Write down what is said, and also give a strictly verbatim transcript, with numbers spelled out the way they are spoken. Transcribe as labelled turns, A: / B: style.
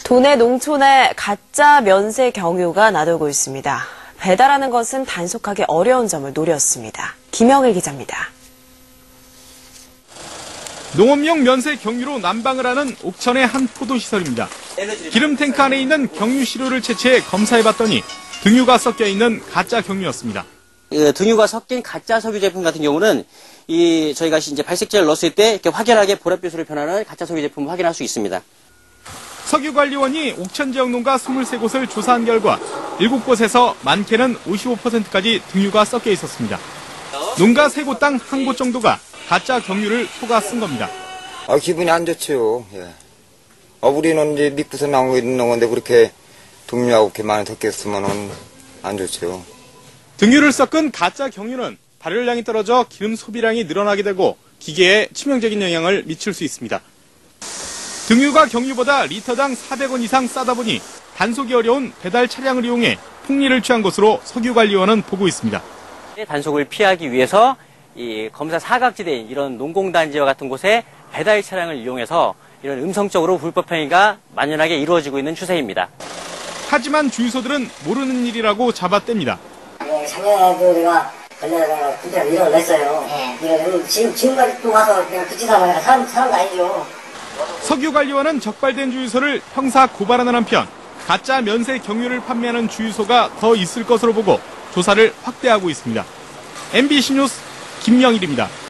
A: 도내 농촌에 가짜 면세 경유가 나돌고 있습니다. 배달하는 것은 단속하기 어려운 점을 노렸습니다. 김영일 기자입니다.
B: 농업용 면세 경유로 난방을 하는 옥천의 한 포도시설입니다. 기름 탱크 안에 있는 경유 시료를 채취해 검사해봤더니 등유가 섞여 있는 가짜 경유였습니다.
C: 그 등유가 섞인 가짜 석유 제품 같은 경우는 이 저희가 이제 발색제를 넣었을 때 이렇게 확연하게 보랏빛으로 변하는 가짜 석유 제품을 확인할 수 있습니다.
B: 석유관리원이 옥천 지역 농가 이십삼 곳을 조사한 결과 일곱 곳에서 많게는 오십오 퍼센트까지 등유가 섞여 있었습니다. 농가 세 곳당 한 곳 정도가 가짜 경유를 속아 쓴 겁니다.
D: 아, 기분이 안 좋죠. 예. 아, 우리는 이제 믿고서 나오고 있는 건데 그렇게 등유하고 이렇게 많이 섞였으면은 안 좋죠.
B: 등유를 섞은 가짜 경유는 발열량이 떨어져 기름 소비량이 늘어나게 되고 기계에 치명적인 영향을 미칠 수 있습니다. 등유가 경유보다 리터당 사백 원 이상 싸다 보니 단속이 어려운 배달 차량을 이용해 폭리를 취한 것으로 석유관리원은 보고 있습니다.
C: 단속을 피하기 위해서 이 검사 사각지대인 이런 농공단지와 같은 곳에 배달 차량을 이용해서 이런 음성적으로 불법 행위가 만연하게 이루어지고 있는 추세입니다.
B: 하지만 주유소들은 모르는 일이라고 잡아뗍니다.
E: 작년에도 내가 걸려서 진짜 밀어냈어요. 네. 지금, 지금까지 또 와서 그냥 그치다 보니까 사람, 사람도 아니죠.
B: 석유관리원은 적발된 주유소를 형사 고발하는 한편 가짜 면세 경유를 판매하는 주유소가 더 있을 것으로 보고 조사를 확대하고 있습니다. 엠비씨 뉴스 김영일입니다.